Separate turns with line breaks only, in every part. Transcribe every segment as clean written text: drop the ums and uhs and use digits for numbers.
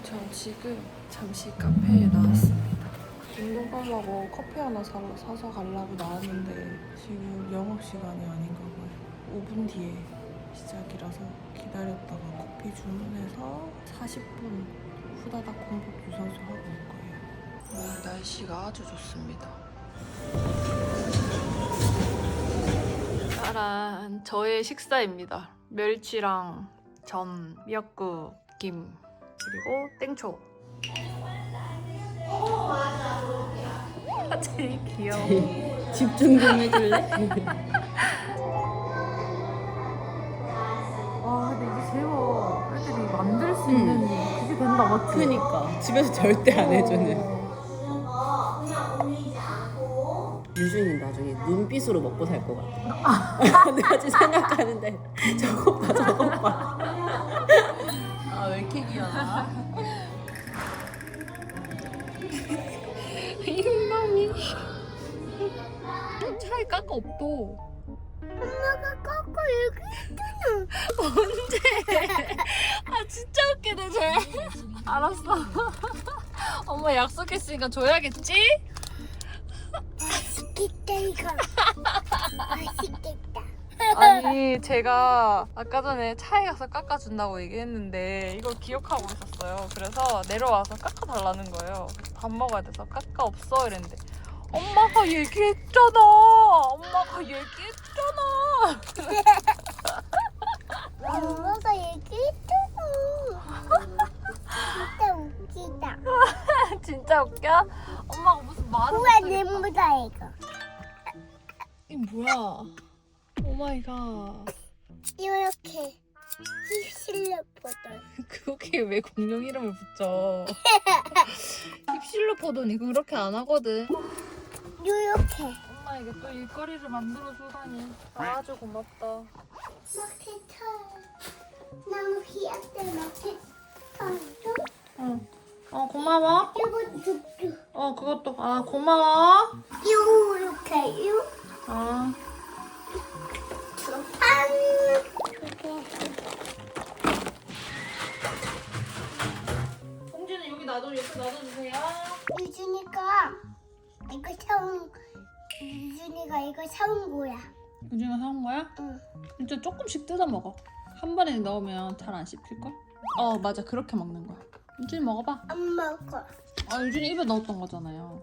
전 지금 잠시 카페에 나왔습니다. 운동 가려고 커피 하나 사서 가려고 나왔는데 지금 영업시간이 아닌가 봐요. 5분 뒤에 시작이라서 기다렸다가 커피 주문해서 40분 후다닥 공복 유산소 하고 올 거예요. 오늘 날씨가 아주 좋습니다. 짜란, 저의 식사입니다. 멸치랑 전, 미역국, 김, 그리고 땡초. 제일 귀여워.
집중 좀 해줄래?
와, 근데 이게 제법 애들이 만들 수 있는 그게 된다, 맞지?
그니까 집에서 절대 안 해주는. 유준이 나중에 눈빛으로 먹고 살 것 같아. 내가 지금 생각하는데 저것 봐 저것 봐. 아 왜 이렇게 귀여워?
이놈이 차에 깎아 없도.
엄마가 깎고 여기
언제? 아 진짜 웃기네 쟤. 알았어. 엄마 약속했으니까 줘야겠지?
맛있겠다 이거. 맛있겠다.
아니 제가 아까 전에 차에 가서 깎아준다고 얘기했는데 이걸 기억하고 있었어요. 그래서 내려와서 깎아달라는 거예요. 밥 먹어야 돼서 깎아 없어 이랬는데 엄마가 얘기했잖아. 엄마가 얘기했잖아.
엄마가 얘기했잖아. 진짜 웃기다.
진짜 웃겨? 엄마가 무슨 말을
우와
못하겠다.
내보다 이거.
이게 뭐야? 오마이갓.
이렇게 힙실로 보던.
그렇게 왜 공룡 이름을 붙여? 힙실로 포도니 그렇게 안 하거든.
이렇게.
엄마에게 또 일거리를 만들어주다니 아주 고맙다.
이렇게 털. 너무 귀엽대 이렇게 털도.
응. 고마워.
이거 줍줍.
그것도 고마워.
이렇게 요.
아.
안.
공주는 여기 옆에 놔둬주세요.
유준이가 이거 사온 거야.
유진이가 사온 거야?
응.
진짜 조금씩 뜯어 먹어. 한 번에 넣으면 잘 안 씹힐걸? 맞아. 그렇게 먹는 거야. 유진이 먹어봐.
안 먹어.
유진이 입에 넣었던 거잖아요.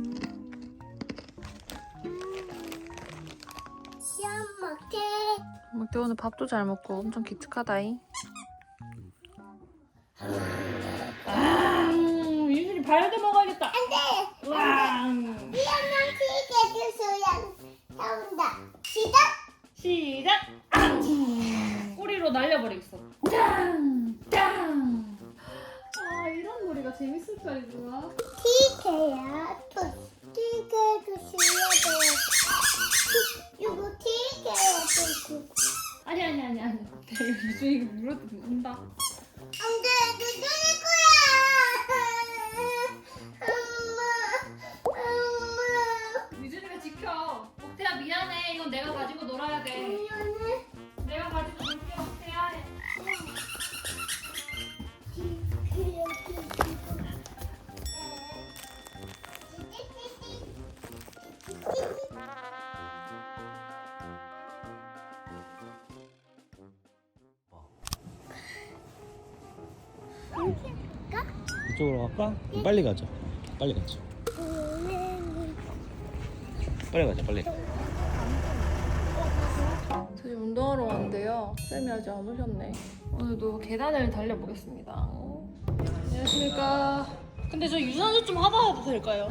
시험 먹게.
막대 오늘 밥도 잘 먹고 엄청 기특하다잉. 유진이 발효대 먹어야겠다.
안돼.
왕.
시험만 튀게 주소야. 사온다. 시작.
꼬리로 날려버리겠어. 짱! 이런 놀이가 재밌을 줄 알구나.
튀게야. 또 튀게 주셔야 돼. 이거 튀게야 돼.
아니. 유준이가 물어뜯는다.
안돼. 누구일 거야. 엄마.
유준이가 지켜. 옥태야 미안해. 이건 내가 가지고 놀아야 돼.
미안해.
내가 가지고 놀게 옥태야.
이쪽으로 갈까? 빨리 가자. 빨리 가자. 빨리 가자. 빨리.
저희 운동하러 왔는데요. 쌤이 아직 안 오셨네. 오늘도 계단을 달려보겠습니다. 안녕하십니까. 근데 저 유산소 좀 하다 해도 될까요?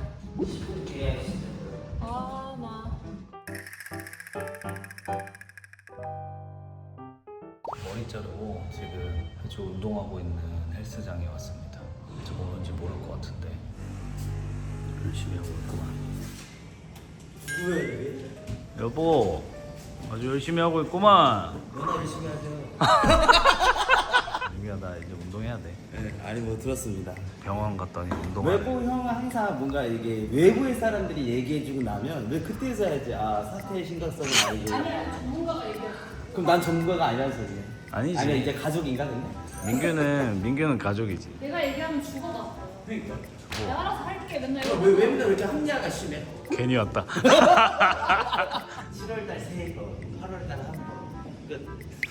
머리 자르고 지금 아주 운동하고 있는 헬스장에 왔습니다. 저거 뭔지 모를 것 같은데 열심히 하고 있구만. 왜? 여보, 아주 열심히 하고 있구만.
너나 열심히 하죠.
민규야, 나 이제 운동해야 돼.
네, 아니 뭐 들었습니다.
병원 갔더니 운동하래.
외부 형은 항상 뭔가 이게 외부의 사람들이 얘기해주고 나면 왜 그때서 해야지. 사태의 심각성을 알고. 아니야, 전문가가 얘기해. 그럼 난 전문가가 아니라는 소리야.
아니지.
아니야, 이제 가족인가 근데?
민규는 가족이지.
내가 얘기하면 죽어가. 내가 알아서 할게. 맨날 이거.
왜 맨날 왜 이렇게 합리화가 심해?
괜히 왔다.
7월달 3번, 8월달 1번. 끝.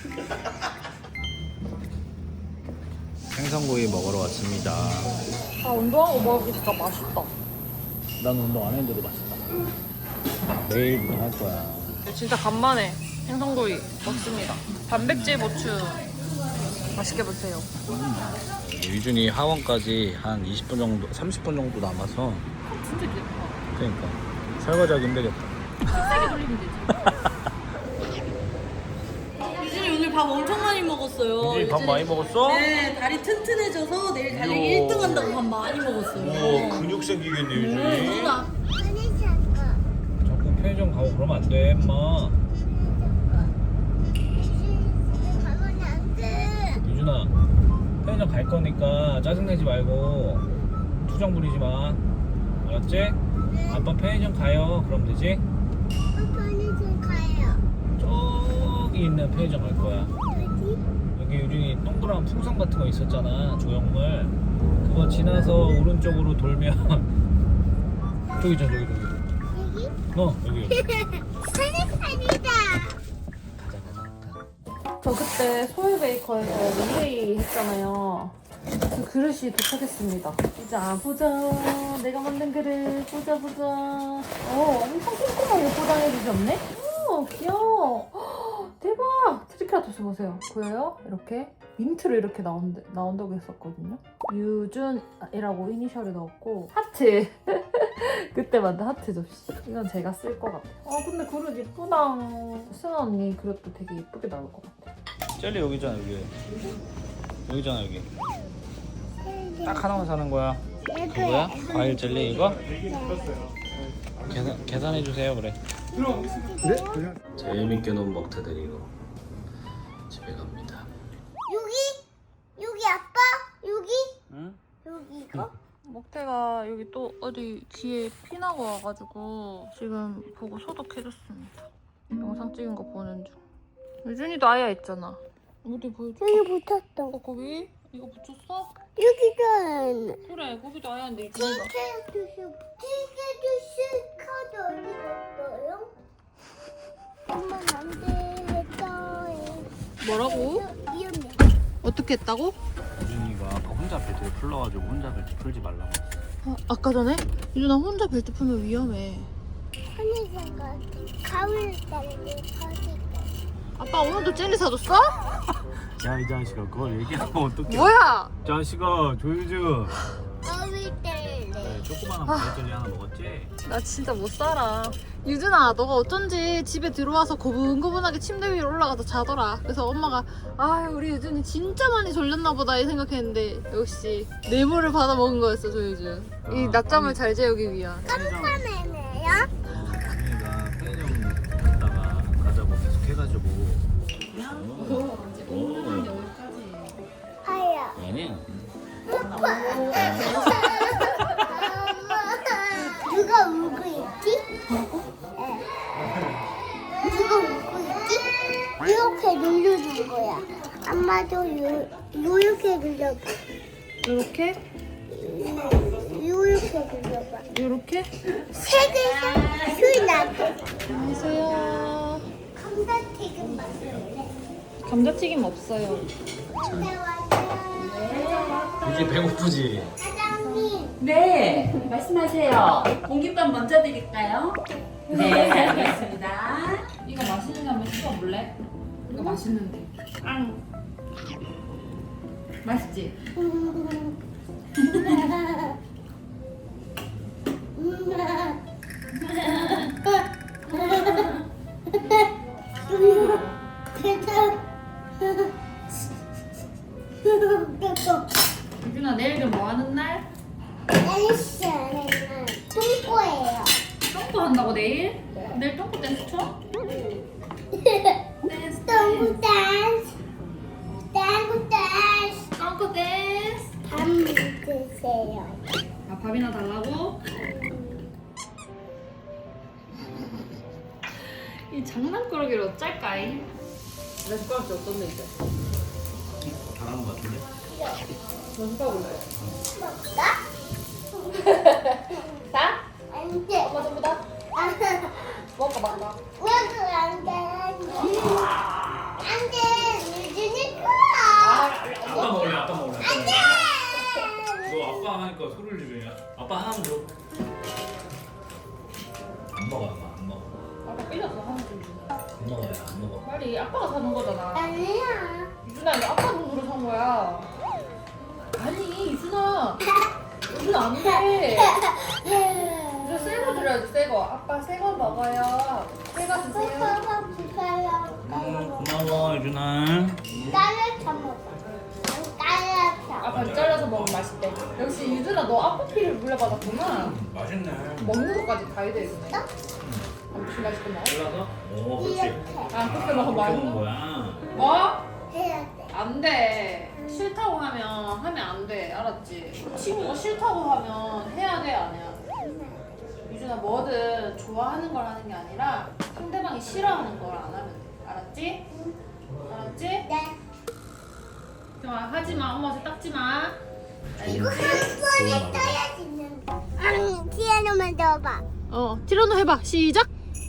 생선구이 먹으러 왔습니다.
아 운동하고 먹으니까 맛있다.
난 운동 안 했는데도 맛있다. 내일부터 할 거야.
진짜 간만에 생선구이 먹습니다. 단백질 보충 맛있게 보세요.
유준이 하원까지 한 20분 정도, 30분 정도 남아서.
진짜 귀엽다.
그러니까 설거지하기 힘들겠다.
세게 돌리면 되지.
유진이 오늘 밥 엄청 많이 먹었어요.
유준이 밥 많이 먹었어?
네, 다리 튼튼해져서 내일 달리기
이야.
1등 한다고 밥 많이 먹었어요.
우와 근육 생기겠네 유준이.
아니 잠깐.
자꾸 편의점 가고 그러면 안 돼 엄마.
가면 안 돼.
유준아 편의점 갈 거니까 짜증내지 말고 투정 부리지 마. 알았지? 아빠 편의점 가요. 그럼 되지?
아빠는 좀 가요.
저기 있는 편의점 갈 거야.
어디?
여기 유준이 동그란 풍선 같은 거 있었잖아. 조형물. 그거 지나서 오른쪽으로 돌면 저기 저기.
여기?
여기.
사니다.
저 그때 소울 베이커에서 릴레이 했잖아요. 그 그릇이 도착했습니다. 보자 보자. 내가 만든 그릇 보자 보자. 엄청 꼼꼼하게 포장해 주셨네. 귀여워. 대박. 트리케라토스 보세요. 보여요? 이렇게 민트로 이렇게 나온다고 했었거든요. 유준이라고 이니셜을 넣었고 하트. 그때 만든 하트 접시. 이건 제가 쓸 것 같아요. 근데 그릇 예쁘다. 승아 언니 그릇도 되게 예쁘게 나올 것 같아.
젤리 여기잖아 여기. 여기잖아 여기. 딱 하나만 사는 거야. 그거야? 과일 젤리 이거? 계산해 주세요 그래. 재밌게 논 먹태 데리고 집에 갑니다.
여기 아빠? 여기?
응?
여기 이거?
먹태가 여기 또 어디 귀에 피나고 와가지고 지금 보고 소독해줬습니다. 영상 찍은 거 보는 중. 유준이도 아야 있잖아. 어디 보여줘?
여기 붙었어.
거기? 이거 붙였어?
여기는
그래 거기도 아야인데 유준이가.
티켓 카드 어디 갔어요? 엄마 안 되겠어요.
뭐라고?
위험해.
어떻게 했다고?
유준이가 아까 혼자 벨트를 풀러가지고 혼자 벨트 풀지 말라고 했어.
아까 전에? 유준아 혼자 벨트 풀면 위험해.
하늘색가 가을 달리 가지.
아빠 오늘도 젤리 사줬어?
야 이 자식아 그걸 얘기하면 어떡해.
뭐야?
자식아 조유주.
가을 달리.
네, 조그마한 과일 젤리 하나 먹었지?
나 진짜 못 살아. 유준아, 너가 어쩐지 집에 들어와서 고분고분하게 침대 위로 올라가서 자더라. 그래서 엄마가 우리 유준이 진짜 많이 졸렸나 보다 이 생각했는데 역시 뇌물을 받아 먹은 거였어, 조유준. 이 낮잠을 잘 재우기 위한.
깜깜해네요.
유준이가 편의점 갔다가 가자고 계속 해가지고
하야.
아니야.
누가 울고 있지? 누가 울고 있지? 이렇게 눌러준 거야. 엄마도 이렇게 눌러봐.
이렇게?
이렇게 눌러봐.
이렇게?
세 개가 술 나도.
안녕하세요.
감자튀김 맛있네.
감자튀김 없어요.
유준이 배고프지?
사장님.
네, 말씀하세요. 공깃밥 먼저 드릴까요? 네, 알겠습니다.
이거 맛있는지 한번 씹어볼래? 이거 맛있는데. 맛있지? 유준아 내일은 뭐 하는 날?
댄스는 똥꼬예요.
똥꼬 한다고 내일? 내일 똥꼬 댄스 춰?
똥꼬 댄스. 똥꼬 댄스.
똥꼬 댄스.
밥 드세요.
밥이나 달라고? 이 장난꾸러기를 어쩔까이?
내 숟가락이 어떤데 이제?
잘하는 것 같은데?
연습해볼래?
먹까?
다?
안 돼.
엄마 전부 다? 먹어 먹어.
왜그 안 돼? 안 돼. 유준이 거야.
아빠 먹을래? 아빠 먹을래?
안 돼.
너 아빠 하니까 소리를 지르냐? 아빠 하나만 줘. 안 먹어 아빠 안 먹어.
아빠 삐졌어 하는 중.
안 먹어요 안 먹어.
빨리 아빠가 사는 거잖아.
아니야.
유준아 이거 아빠 돈으로 산 거야. 아니 유준아. 유준아 안 돼. 유준아 새거 드려야지 새거. 아빠 새거 먹어요. 새거 드세요.
오빠가 부사요.
고마워 유준아.
딸을 먹어. 딸을 쳐.
아빠 잘라서 먹으면 맛있대. 역시 유준아 너 아빠 피를 물려받았구나.
맛있네.
먹는 것까지 다 해야 유준아. 무슨 맛있구나.
잘라서? 오 그렇지.
이렇게
아 그렇게 먹으면
이렇게
맛있어.
먹는 거야.
뭐?
해야 돼.
안 돼. 싫다고 하면 안 돼. 알았지? 친구가 싫다고 하면 해야 돼, 안 해야 돼? 유준아, 뭐든 좋아하는 걸 하는 게 아니라 상대방이 싫어하는 걸 안 하면 돼. 알았지? 알았지?
네.
좋아, 하지 마. 엄마한테 닦지 마.
이거 한 번에 떠야지는. 피아노만 넣어봐.
티라노 해봐. 시작.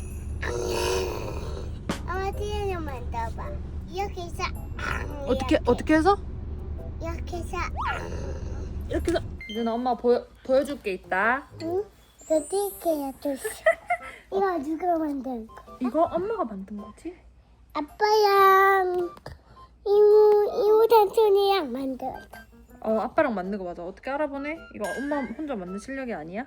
엄마 피아노만 넣어봐. 이렇게 해서.
어떻게 해서?
이렇게 해서.
이렇게 해서. 유준아, 엄마 보여줄 게 있다.
응? 어떻게 해야 돼? 이거 누가 만든 거?
이거 엄마가 만든 거지?
아빠랑 이모 삼촌이랑 만들었어.
아빠랑 만든 거 맞아. 어떻게 알아보네? 이거 엄마 혼자 만든 실력이 아니야?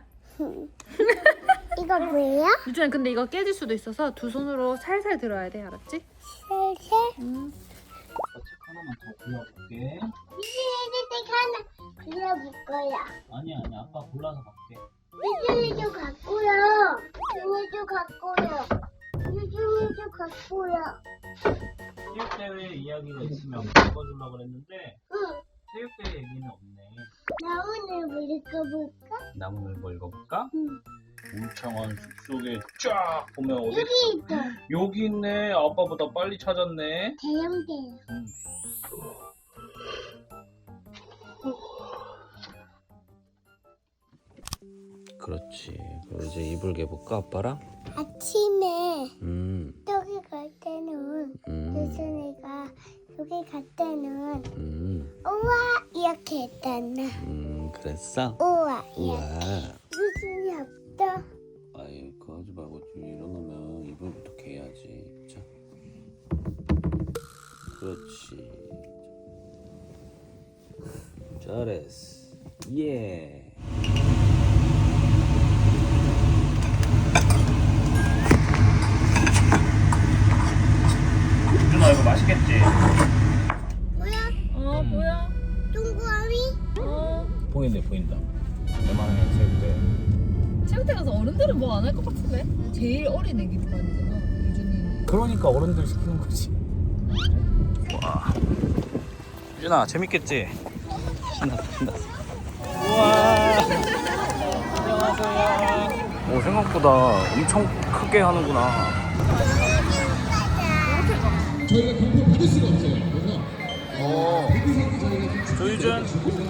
이거 뭐예요?
유준아, 근데 이거 깨질 수도 있어서 두 손으로 살살 들어야 돼. 알았지?
살살.
책 하나만 더 골라볼게.
이제 하나 그려볼 거야.
아니야 아빠 골라서 갈게.
유준이도 갖고요. 유준이도 갖고요. 유준이도 갖고요.
체육대회 이야기가 있으면 읽어주려고 그랬는데
응.
체육대회 얘기는 없네.
나 오늘 뭐 읽어볼까?
나무늘보 읽어볼까?
응.
울창한 숲속에 쫙 보면 어디
여기 있어.
여기 있네. 아빠보다 빨리 찾았네.
대형대요.
그렇지. 그럼 이제 이불 개볼까 아빠랑?
아침에
음.
여기 갈 때는 유준이가 여기 갈 때는 우와 이렇게 했잖아.
그랬어?
우와
우와.
이렇게. 유준이 없다.
아이 그거 하지 말고 좀 일어나면 이불부터 개야지. 자. 그렇지. 잘했어. 예. 유준아 이거 맛있겠지?
뭐야?
뭐야?
동그라미?
보인다. 웬만하면 체육대.
체육대 가서 어른들은 뭐 안 할 것 같은데? 제일 어린 애기 반이잖아. 유준이.
그러니까 어른들 시키는 거지. 와. 유준아 재밌겠지? 신났어. 우와. 안녕하세요. 오 생각보다 엄청 크게 하는구나.
저희가 경품 받을 수가 없어요. 그래서
조유준.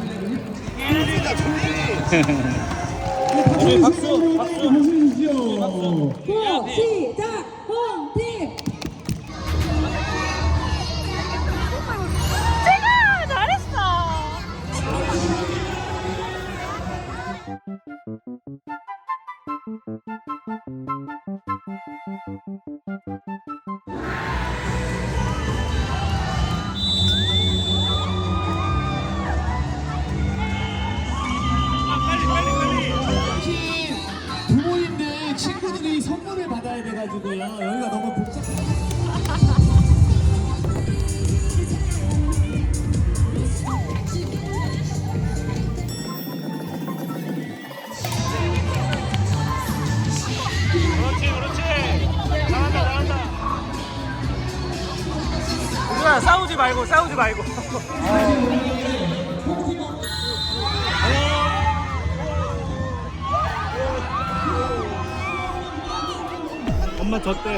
우리 박수.
보시죠.
시작! 홈팀!
부모님들, 친구들이 선물을 받아야 돼가지고요. 여기가 너무 복잡해요.
그렇지. 잘한다. 유준아 싸우지 말고. 엄마 졌대.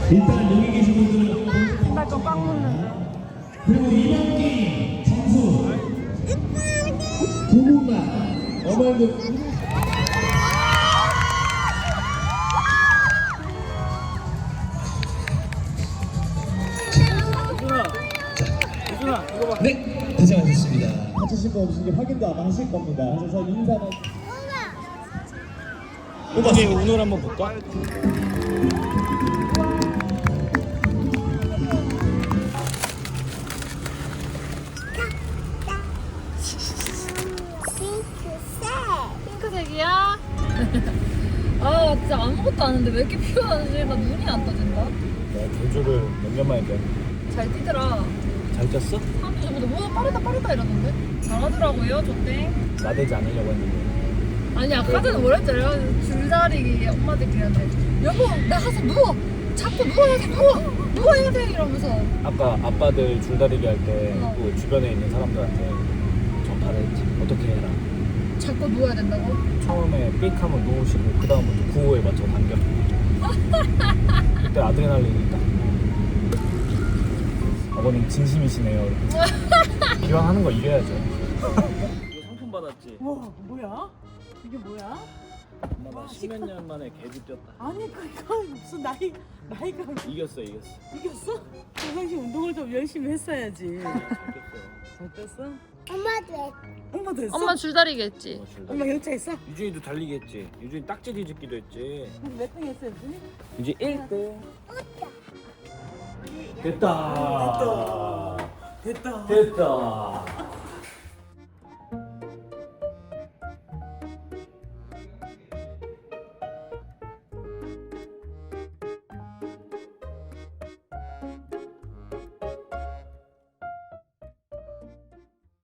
일단 여기 계신 분들은
나좀 꽉 묻는다.
그리고 이번 게임 점수 두 분만 어머님들 네, 고생하셨습니다. 다치신 거 없으신 게 확인도 아마 하실 겁니다. 그래서 인사만.
오늘 운을 한번 볼까?
핑크색이야? 아 진짜 아무것도 안 했는데 왜 이렇게 피곤하지? 나 눈이 안 떠진다.
내가 경주를 몇 년 만에 돼.
잘 뛰더라.
잘 쪘어?
사람들 저보다 뭐 빠르다 이러는데? 잘하더라고요 저땡.
나대지 않으려고 했는데.
아니 아까 전에 뭐랬잖아요. 줄다리기 엄마들끼리한테 여보 나 가서 누워. 자꾸 누워야 돼 누워야 돼 이러면서.
아까 아빠들 줄다리기 할 때 그 주변에 있는 사람들한테 전파를 했지. 어떻게 해라.
자꾸 누워야 된다고?
처음에 삑 하면 누우시고 그 다음부터 구호에 맞춰 당겨. 그때 아드레날린이 딱. 아버님 진심이시네요. 기왕하는 거 이겨야죠. 이거 상품 받았지?
와 뭐야? 이게 뭐야?
엄마 나 십몇 년 만에 개주 뛰었다.
아니 그거 무슨 나이가
이겼어.
이겼어? 평상시 운동을 좀 열심히 했어야지. 잘 뺐어?
엄마도 해.
엄마도 했어?
엄마 줄다리기 했지.
엄마 경차 했어?
유준이도 달리기 했지. 유준이 딱지 뒤집기도 했지.
몇 등 했어 유준이?
이제 1등. 됐다.
됐다.
됐다.